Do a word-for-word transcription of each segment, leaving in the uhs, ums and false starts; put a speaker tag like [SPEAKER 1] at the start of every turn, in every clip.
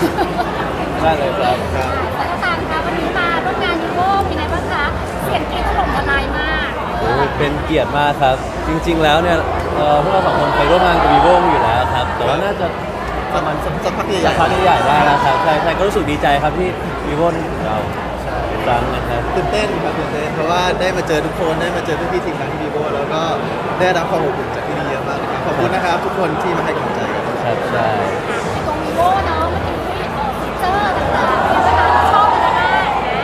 [SPEAKER 1] ได้เลยครับครับ
[SPEAKER 2] แต่ก็ตามคะวันนี้มาร่วมงานยูโรเป็นไงบ้างคะเสียงกรี๊ดถล่มทลายมาก
[SPEAKER 1] โอ้เป็นเกียรติมากครับ จริง ๆ แล้วเนี่ยเอ่อพวกเราสองคนเคยร่วมงานกับวีโวอยู่แล้วครับ แต่ว่าน่าจะประมาณสัก
[SPEAKER 3] สักพักใหญ่
[SPEAKER 1] สักพักใหญ่ๆได้แล้วครับใช่ใช่ก็รู้สึกดีใจครับที่วีโวเราอีกครั้งนะครับ
[SPEAKER 3] ตื่นเต้นครับตื่นเต้นเพราะว่าได้มาเจอทุกคนได้มาเจอพี่ๆทีมงานที่วีโวแล้วก็ได้รับความอบอุ่นจากที่นี่เยอะมากนะครับขอบคุณนะครับทุกคนที่มาให้กำลังใจกัน
[SPEAKER 1] ครับใช่
[SPEAKER 2] ในตรงวีโวเนาะเมื่อกี้ที่เอ่อฟีเจอร์ต่างๆเนี่ยนะคะชอบอะไรบ้างนะ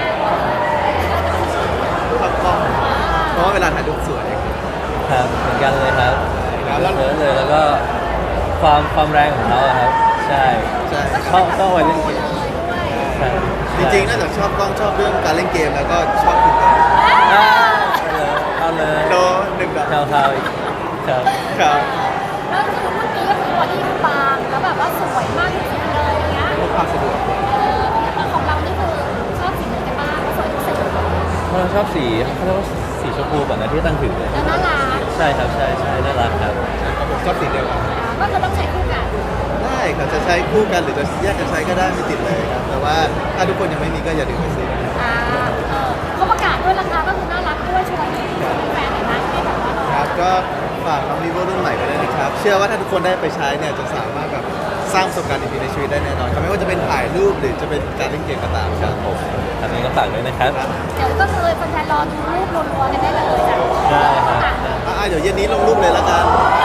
[SPEAKER 3] ชอบกล้องเพราะว่าเวลาถ่ายรูปสวย
[SPEAKER 1] ครับเหมือนกันเลยครับ
[SPEAKER 3] ครับแล้ว
[SPEAKER 1] เยอะเลยแล้วก็ความความแรงของเขาอะครับ ใช่
[SPEAKER 3] ใช่
[SPEAKER 1] ชอบชอบวัยเล่นเกม
[SPEAKER 2] เลยด้วย
[SPEAKER 1] ใช่
[SPEAKER 3] จริงๆนอกจากชอบกล้องชอบเรื่องการเล่นเกมแล้วก็ชอบคุณ
[SPEAKER 1] อ่าเอาเลย
[SPEAKER 3] โด
[SPEAKER 1] เอาเลย
[SPEAKER 3] หนึ่งดอก
[SPEAKER 1] เท้าเท้าอีกครับ
[SPEAKER 3] ครับ
[SPEAKER 2] แล้วคือเมื่อกี้ก็คือบอดี้คือบางแล้วแบบว่าสวยมากจริงๆเลยอย่างเงี้ย
[SPEAKER 3] พกพาสะดวก
[SPEAKER 2] เออแล้วของเรานี่คือชอบสีไหนกันบ้างก็สวยทุกสี
[SPEAKER 1] เพราะเราชอบสีเขาเรียกว่าสีชมพูก่อนนะที่ตั้งถือเลย
[SPEAKER 2] แล้วน่ารัก
[SPEAKER 1] ใช่ครับใช่ใช่น่ารักครับ
[SPEAKER 3] ชอบสีเดียวกัน
[SPEAKER 2] ก็คือต้องใช้คู่กัน
[SPEAKER 3] ได้ครับจะใช้คู่กันหรือจะแยกกันใช้ก็ได้ไม่ติดเลยครับแต่ว่าถ้าทุกคนยังไม่มีก็อย่าลืมไปซื้อ
[SPEAKER 2] อ่าเออเขาประกาศด้วยราคาก็คือน่ารักด้วยชวนแฟนหน่อยนะให้แบบว่าเรา
[SPEAKER 3] ครับก็ฝากน้องรีโวรุ่นใหม่ไปด้วยนะครับเชื่อว่าถ้าทุกคนได้ไปใช้เนี่ยจะสามารถแบบสร้างประสบการณ์ดีๆในชีวิตได้แน่นอนครับไม่ว่าจะเป็นถ่ายรูปหรือจะเป็นการเล่นเกมก็ตามครับผม
[SPEAKER 1] ทำนี้ก็ฝากด้วยนะครับ
[SPEAKER 2] เดี๋ยวก็คือแฟนๆรอดูรูปรัวๆกันได้เลยจ้ะ
[SPEAKER 1] ได้ครับ
[SPEAKER 3] อ่าเดี๋ยวเย็นนี้ลงรูปเลยละกัน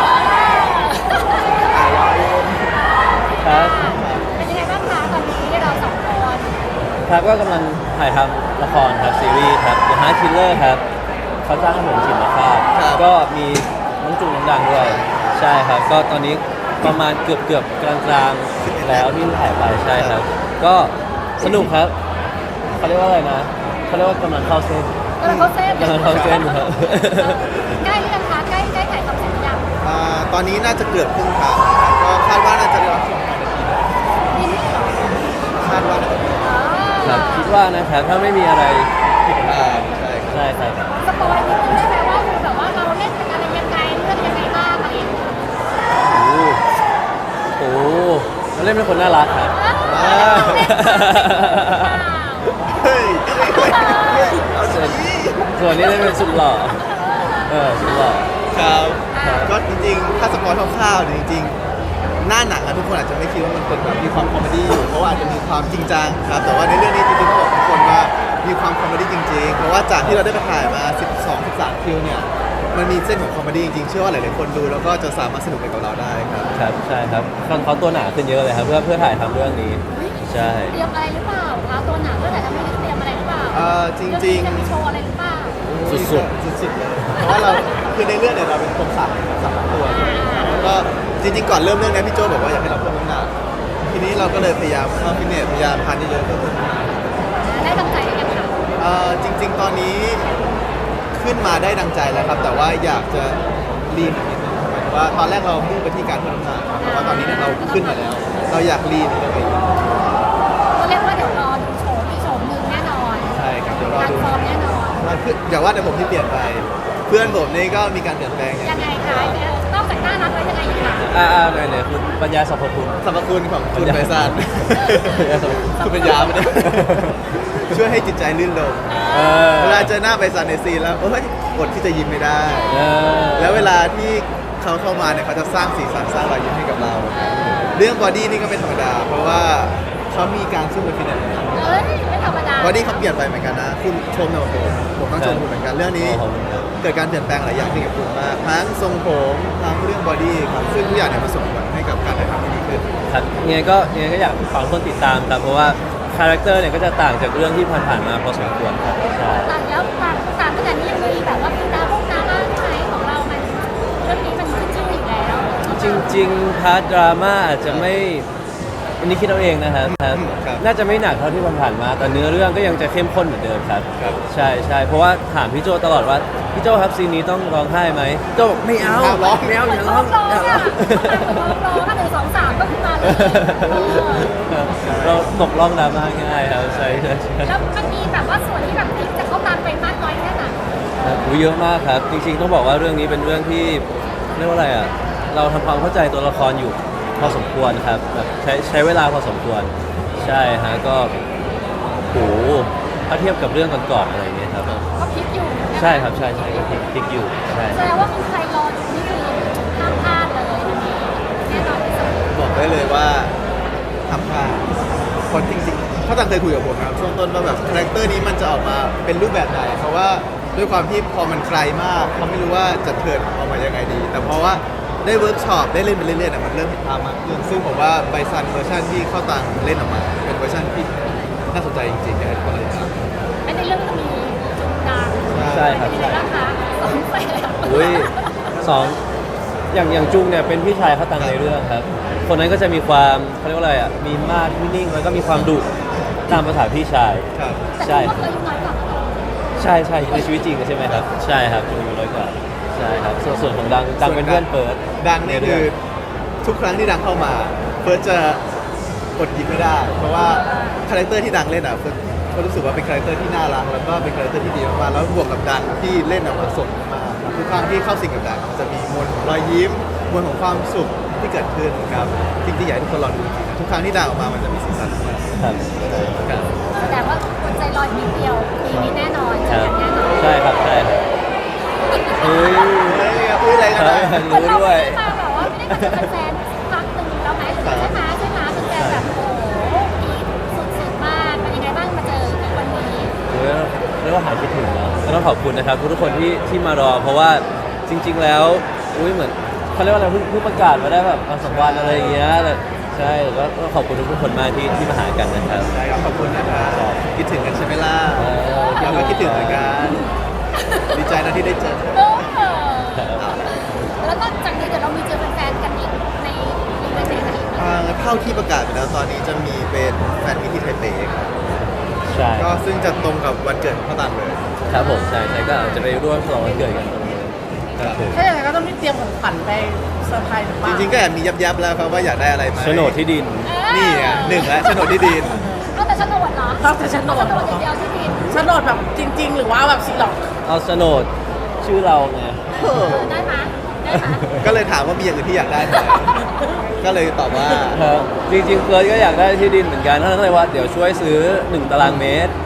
[SPEAKER 1] ครับ
[SPEAKER 2] เป็นยังไงบ้างคะตอนนี้เราสองคน
[SPEAKER 1] ครับก็กำลังถ่ายทำละครครับซีรีส์ครับ The Heart Killer ครับเขาจ้างให้ผมฉินมาภาพก็มีน้องจูนน้องดังด้วย ใช่ครับ ก็ตอนนี้ประมาณเกือบเกือบกลางกลางๆแล้วที่ถ่ายไปใช่ครับ ก็สนุกครับเขาเรียกว่าอะไรนะเขาเรียกว่ากำลังเข้าเส้น
[SPEAKER 2] กำลังเข้าเส้น
[SPEAKER 1] กำลังเข้าเส้นครับ
[SPEAKER 2] ใกล้หรือยังคะใกล้ใกล้ถ่ายทำเสร็จหรือยัง
[SPEAKER 3] อ่าตอนนี้น่าจะเกือบครึ่งทางนะครับก็คาดว่าน่าจะได้รับชมภายในปีหน้า
[SPEAKER 2] นี่นี่เหรอ
[SPEAKER 3] คาดว่าน่าจะเป็น
[SPEAKER 2] อ๋อ
[SPEAKER 1] ครับคิดว่านะครับถ้าไม่มีอะไรผิดพ
[SPEAKER 3] อ่า
[SPEAKER 1] ลาด
[SPEAKER 3] ใช่ครับ
[SPEAKER 1] ใช่ครับ
[SPEAKER 2] สปอยนิดนึงได้ไหมว่าคือแบบว่าเราเล่นเป็นอะไรยังไงเรื่องยังไงบ้างอะไรอย่างเงี้ย
[SPEAKER 1] โอ้โหเราเล่นเป็นคนน่ารักครับ
[SPEAKER 2] อ้าวเราเล่นเปล่า
[SPEAKER 3] เฮ้ยเฮ้ยเอา
[SPEAKER 1] ส่วน
[SPEAKER 3] สิ
[SPEAKER 1] ส่วนนี้เล่นเป็นสุดหล่อเออสุดหล่อ
[SPEAKER 3] ครับก็จริงๆ ถ้าสปอยคร่าวๆเนี่ยจริงๆ หน้าหนังอะทุกคนอาจจะไม่คิดว่ามันเป็นแบบมีความคอมเมดี้อยู่ เพราะว่าอาจจะมีความจริงจังครับ แต่ว่าในเรื่องนี้จริงๆต้องบอกทุกคนว่ามีความคอมเมดี้จริงๆ เพราะว่าจากที่เราได้ไปถ่ายมา สิบสอง สิบสาม คิวเนี่ย มันมีเส้นของคอมเมดี้จริงๆ เชื่อว่าหลายๆคนดูแล้วก็จะสามารถสนุกไปกับเราได้ครับ
[SPEAKER 1] ครับใช่ครับเขาเขาตัวหนาขึ้นเยอะเลยครับเพื่อเพื่อถ่ายทำเรื่องนี้ ใช่
[SPEAKER 2] เตรียมอะไรหรือเปล่าคะตัวหนังก็แต่ทำให้เตรียมอะไรหรือเปล่า
[SPEAKER 3] เอ่อจริงๆ
[SPEAKER 2] เอนี้จะมีโชว์อะไรหรือเปล่า
[SPEAKER 1] สุด
[SPEAKER 3] สุดๆเลย เพราะว่าเราคือในเรื่องเนี่ยเราเป็นคนสักสักตัวแล้วก็จริงๆ ก่อนเริ่มเรื่องเนี้พี่โจบอกว่าอยากให้เราเพิ่มน้ำหนักทีนี้เราก็เลยพยายามเข้าฟิตเนสพยายามทานเยอะๆเพื่อเพิ่มน้ำหนัก
[SPEAKER 2] ได้ตั้งใจกันยังคะ
[SPEAKER 3] เอ่อจริง ๆ ตอนนี้ขึ้นมาได้ดังใจแล้วครับ แต่ว่าอยากจะลีนอีกนิดนึงหมายถึงว่าตอนแรกเรามุ่งไปที่การเพิ่มน้ำหนักครับแต่ว่าตอนนี้เนี่ยเราขึ้นมาแล้ว เราอยากลีนตัวเอง
[SPEAKER 2] ก็เรียกว่าเดี๋ยวรอดูโชว์ที่โชว์หนึ่งแน่นอน
[SPEAKER 3] ใช่ครับเดี๋ยวรอ
[SPEAKER 2] การ
[SPEAKER 3] ดู
[SPEAKER 2] ฟอร์มแน่นอน
[SPEAKER 3] ว่าคืออย่าว่าแต่ผมที่เปลี่ยนไป เพื่อนผมนี่ก็มีการเปลี่ยนแปลงอย่าง
[SPEAKER 2] ยังไงคะเนี่ยนอกจากน่ารักแล้วยังไงอีกคะ
[SPEAKER 1] อ่าอ่าไหนไหนคุณปัญญาสรรพคุณ
[SPEAKER 3] สรรพคุณของคุณไพศาล
[SPEAKER 1] ปัญญาสรรพคุณ
[SPEAKER 3] คุณเป็นยาไม่ได้ ช่วยให้จิตใจลื่นลง
[SPEAKER 1] เออ
[SPEAKER 3] เวลาเจอหน้าไพศาลในซีนแล้วเฮ้ยอดที่จะยิ้มไม่ได้
[SPEAKER 1] เออ
[SPEAKER 3] แล้วเวลาที่เขาเข้ามาเนี่ยเขาจะสร้างสีสันสร้างรอยยิ้มให้กับเรา เรื่องบอดี้นี่ก็ไม่ธรรมดา เพราะว่าเขามีการสู้กับฟิตเนส
[SPEAKER 2] เอ้ยไม่ธรรมดา
[SPEAKER 3] บอดี้เขาเปลี่ยนไปเหมือนกันนะ คุณชมเนี่ยผมผมต้องชมคุณเหมือนกันเรื่องนี้
[SPEAKER 1] ขอบคุณครับ
[SPEAKER 3] เกิดการเปลี่ยนแปลงหลายอย่างที่เกี่ยวกับคุณมากทั้งทรงผมทั้งเรื่องบอดี้ครับซึ่งทุกอย่างเนี่ยมาส่งผลให้กับการถ่ายทำที่ดีขึ้น
[SPEAKER 1] ครับยังไงก็ยังไงก็อยากฝากคนติดตามครับ เพราะว่าคาแรคเตอร์เนี่ยก็จะต่างจากเรื่องที่ผ่านๆมาพอสมควรครับใช่
[SPEAKER 2] ต่างแล้วต่างต่างขนาดนี้ยังมีแบบว่ามีดราม่งดราม่าไหมของเรามันเรื่องนี้มันขึ้นชื่ออยู่แล้ว
[SPEAKER 1] จริงๆพาร์ทดราม่าอาจจะไม่อันนี้คิดเอาเองนะครับครับ
[SPEAKER 3] ครับ
[SPEAKER 1] น่าจะไม่หนักเท่าที่ผ่านๆมาแต่เนื้อเรื่องก็ยังจะเข้มข้นเหมือนเดิมครับ
[SPEAKER 3] ครับ
[SPEAKER 1] ใช่ใช่เพราะว่าถามพี่โจตลอดว่าพี่โจครับซีนนี้ต้องร้องไห้ไหมโจบอกไม่เอา
[SPEAKER 3] ห้ามร้อง
[SPEAKER 1] ไม่เอา
[SPEAKER 2] เห
[SPEAKER 1] อ
[SPEAKER 2] มือน
[SPEAKER 1] ย่า
[SPEAKER 2] ร้
[SPEAKER 1] ร้
[SPEAKER 2] อ
[SPEAKER 1] อง ง
[SPEAKER 2] ร้อง
[SPEAKER 1] อย่าร้
[SPEAKER 2] อ่ะ
[SPEAKER 1] อง
[SPEAKER 2] ร้องร้องอ่ะหนึ่งสองสามก็ขึ้นมาเลย
[SPEAKER 1] ครับเราตกล่องดราม่าง่ายครับใช่ใช่ใช่
[SPEAKER 2] แล้วมันมีแบบว่าส่วนที่แบบพลิกจากเขาตามไปมากน้อยแค่ไหน
[SPEAKER 1] ครับอุ๊ยเยอะมากครับ จริงๆต้องบอกว่าเรื่องนี้เป็นเรื่องที่เรียกว่าอะไรอ่ะเราทำความเข้าใจตัวละครอยู่พอสมควรครับแบบใช้ใช้เวลาพอสมควรใช่ฮะก็โหถ้าเทียบกับเรื่องก่อนๆอะไรอย่างเงี้ยครับ
[SPEAKER 2] ก็พลิกอยู่
[SPEAKER 1] ใช่ครับใช่ใช่ก็พลิกพลิกอยู่ใช่
[SPEAKER 2] แสดงว่าคุณใครรออยู่นี่คือห้ามพลาดเลยอันนี้แน่นอนที่สุด
[SPEAKER 3] บอกได้เลยว่าทำพลาดคนจริงๆเขาตั้งเคยคุยกับผมนะครับช่วงต้นว่าแบบคาแรคเตอร์นี้มันจะออกมาเป็นรูปแบบไหนเพราะว่าด้วยความที่พอมันไกลมากเขาไม่รู้ว่าจะเทิร์นออกมายังไงดี แต่เพราะว่าได้เวิร์กช็อปได้เล่นไปเรื่อยๆเนี่ยมันเริ่มเห็นภาพมากขึ้นซึ่งผมว่าไบซันเวอร์ชันที่เข้าตังเล่นออกมา เป็นเวอร์ชันที่น่าสนใจจริงๆอยากให้ทุกคนเลยครับ
[SPEAKER 2] และในเรื่องก็จะมีจุดดัง
[SPEAKER 1] ใช่ครับ
[SPEAKER 2] เป็น
[SPEAKER 1] ใช่
[SPEAKER 2] ไงบ้างคะสองแสน
[SPEAKER 1] อุ้ยสองอย่างอย่างจุงเนี่ยเป็นพี่ชายเขาตังในเรื่องครับ คนนั้นก็จะมีความเขาเรียกว่าอะไรอ่ะมีมาดที่นิ่งแล้วก็มีความดุตามภาษาพี่ชาย
[SPEAKER 3] ครับ
[SPEAKER 2] แต่
[SPEAKER 1] ใช่
[SPEAKER 2] คุณก็เคยอายุน้อยกว่าเขา
[SPEAKER 1] ใช่ใช่ในชีวิตจริงใช่ไหมครับ ใช่ครับจุงอายุน้อยกว่าใช่ครับส่วนส่วนของดังดังเป็นเพื่อนเปิด
[SPEAKER 3] ดังเนี่ยคือทุกครั้งที่ดังเข้ามาเฟิร์สจะอดยิ้มไม่ได้ เพราะว่าคาแรคเตอร์ที่ดังเล่นอ่ะเฟิร์สก็รู้สึกว่าเป็นคาแรคเตอร์ที่น่ารักแล้วก็เป็นคาแรคเตอร์ที่ดีมากๆแล้วบวกกับดังที่เล่นออกมาสดมากทุกครั้งที่เข้าสิงกับดังมันจะมีมวลของรอยยิ้มมวลของความสุขที่เกิดขึ้นครับจริงๆอยากให้ทุกคนลองดูจริงๆนะทุกครั้งที่ดังออกมามันจะมีสีสันมาก
[SPEAKER 1] ครับ
[SPEAKER 3] ครับ
[SPEAKER 2] แสดงว่าคนใจลอยนิดเดียวปีนี้แน่นอนเจ
[SPEAKER 1] ค
[SPEAKER 2] อ
[SPEAKER 1] รับ
[SPEAKER 2] กันแน่นอน
[SPEAKER 1] ใช่ครับใช่ครับเฮ้ย
[SPEAKER 3] เฮ้ยพูดอะไรกันนะ
[SPEAKER 1] รู้ด้วย
[SPEAKER 2] คนเราไม่ได้มาแบบว่าไม่ได้เจอแฟนพักหนึ่งแล้วไหมใช่ไหมใช่ไหมใช่ไหมเป็นแฟนแบบโอ้โหพีคสุดๆมากเป็นยังไงบ้างมาเจอวันนี้
[SPEAKER 1] เรียกว่าเรียกว่าหายคิดถึงแล้วก็ต้องขอบคุณนะครับทุกๆคนที่ที่มารอ เพราะว่าจริง ๆ แล้วอุ้ยเหมือนเขาเรียกว่าอะไรเพิ่งเพิ่งประกาศมาได้แบบวันสองวันอะไรอย่างเงี้ยแต่ใช่แล้วก็ขอบคุณทุกๆคนมากที่ที่มาหากันนะครับ
[SPEAKER 3] ได้ครับขอบคุณนะครับคิดถึงกันใช่ไหมล่ะ
[SPEAKER 1] เออ
[SPEAKER 3] เราก็คิดถึงเหมือนกันดีใจนะที่ได้เจอ
[SPEAKER 2] เออแล้วก็จากนี้เดี๋ยวเรามีเจอแฟนๆกันอีกในอีเวนต์ไหนอีก
[SPEAKER 3] อ่าเท่าที่ประกาศไปแล้วตอนนี้จะมีเป็นแฟนมิตรที่ไทเปครับ
[SPEAKER 1] ใช่
[SPEAKER 3] ก็ซึ่งจะตรงกับวันเกิดของพ่อตันเลย
[SPEAKER 1] ครับผมใช่ใช่ก็อาจจะไปร่วมฉลองวันเกิดกันตรงนี้ครับผม
[SPEAKER 4] ถ้าอย่างนั้นก็ต้องเตรียมของขวัญไปเซอร์ไพรส์หรือเป
[SPEAKER 3] จ
[SPEAKER 4] ล่า
[SPEAKER 3] ริงๆก็แอบมียับๆแล้วครับว่าอยากได้อะไรไหม
[SPEAKER 1] โฉนดที่ดิน
[SPEAKER 3] นี่ไงหนึ่งแล้วโฉนดที่ดิน
[SPEAKER 2] เอาแต่โฉนดเหรอ
[SPEAKER 4] ชอบแต่โฉนด
[SPEAKER 2] โฉนดอย่างเดียวที่ดิน
[SPEAKER 4] โฉนดแบบจริง ๆ หรือว่าแบบสีหลอก
[SPEAKER 1] เอาโฉนดชื่อเราไง
[SPEAKER 3] เออ
[SPEAKER 2] ได้ไหมได้ไหม
[SPEAKER 3] ก็เลยถามว่ามีอย่างอื่นที่อยากได้ไหมก็เลยตอบว่า
[SPEAKER 1] ครับจริงๆเฟิร์สก็อยากได้ที่ดินเหมือนกันท่านก็เลยว่าเดี๋ยวช่วยซื้อหนึ่งตารางเมตร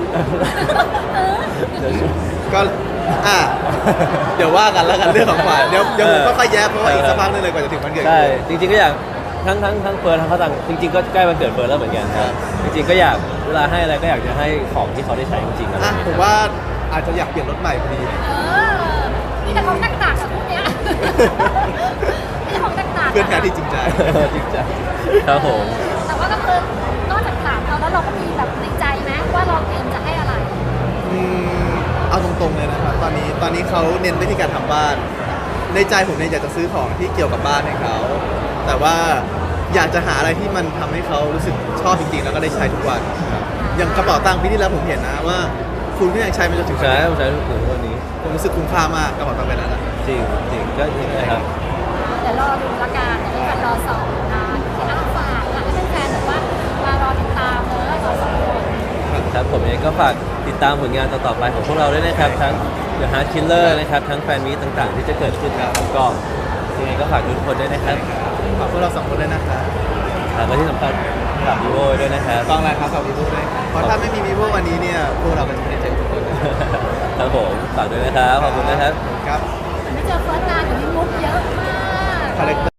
[SPEAKER 1] เดี๋ยวช่วย
[SPEAKER 3] ก็อ่ะเดี๋ยวว่ากันแล้วกันเรื่องของขวัญเดี๋ยวเดี๋ยวผมก็ค่อยแย้มเพราะว่าอีกสักพักนึงเลยกว่าจะถึงวันเกิด
[SPEAKER 1] ใช่จริงๆก็อยากทั้งทั้งทั้งเฟิร์นทั้งเขาตังจริงๆก็ใกล้วันเกิดเฟิร์นแล้วเหมือนกันครับจริงๆก็อยากเวลาให้อะไรก็อยากจะให้ของที่เขาได้ใช้จริงๆอะไรอ
[SPEAKER 3] อ่ะ
[SPEAKER 1] ย่าง
[SPEAKER 3] ผ
[SPEAKER 1] เงี้ย
[SPEAKER 3] มว่าอาจจะอยากเปลี่ยนรถใหม่พอดี
[SPEAKER 2] เออนี่แต่ของต่างๆกับพวกเนี้ยนี่ของต่างๆ
[SPEAKER 3] เพื่อนแท้ที่จริงใจ
[SPEAKER 1] จริงจังครับผม
[SPEAKER 2] แต่ว่าก็คือนอกจากถามเราแล้วเราก็มีแบบในใจไหมว่าเราเตรียมจะให้อะไร
[SPEAKER 3] อืมเอาตรงๆเลยนะครับตอนนี้ตอนนี้เขาเน้นไปที่การทำบ้าน ในใจผมเนี่ยอยากจะซื้อของที่เกี่ยวกับบ้านให้เขาแต่ว่าอยากจะหาอะไรที่มันทำให้เขารู้สึกชอบจริงๆ แล้วก็ได้ใช้ทุกวันครับอย่างกระเป๋าตังค์ปีที่แล้วผมเห็นนะว่า คุณก็ยังใช้มันจนถึง
[SPEAKER 1] ใช้ผมใช้ถึงวันนี้
[SPEAKER 3] ผมรู้สึกคุ้มค่ามากกระเป๋าตังค์ใบนั้นนะ
[SPEAKER 1] จริงจริงก็จริงนะครับ
[SPEAKER 2] เดี๋ยวรอดูละกันเดี๋ยวนี้กันรอสองนะที่อ้าฝากค่ะให้แฟนๆแบบว่ามารอติดตามเลยรอสองคน
[SPEAKER 1] ครับผมเองก็ฝากติดตามผลงานต่อๆไปของพวกเราด้วยนะครับทั้ง The Heart Killer นะครับทั้งแฟนมีตต่างๆ ที่จะเกิดขึ้นนะครับก็ยังไงก็ฝากทุกคนด้วยนะครับ
[SPEAKER 3] ฝากพวกเราสองคนด้วยนะครับ
[SPEAKER 1] แล้วก็ที่สำคัญฝากวีโวด้วยนะครับ
[SPEAKER 3] ต้องอะไรครับฝากวีโวด้วยเพราะถ้าไม่มีวีโววันนี้เนี่ยพวกเราเป็นไม่ได้เจอทุกคนนะ
[SPEAKER 1] ครับผมฝากด้วยนะครับขอบคุณนะครับ
[SPEAKER 3] ครับ
[SPEAKER 2] ไม่เจอเฟิร์สนานอยู่ในมุกเยอะมาก
[SPEAKER 3] คาแรคเตอร์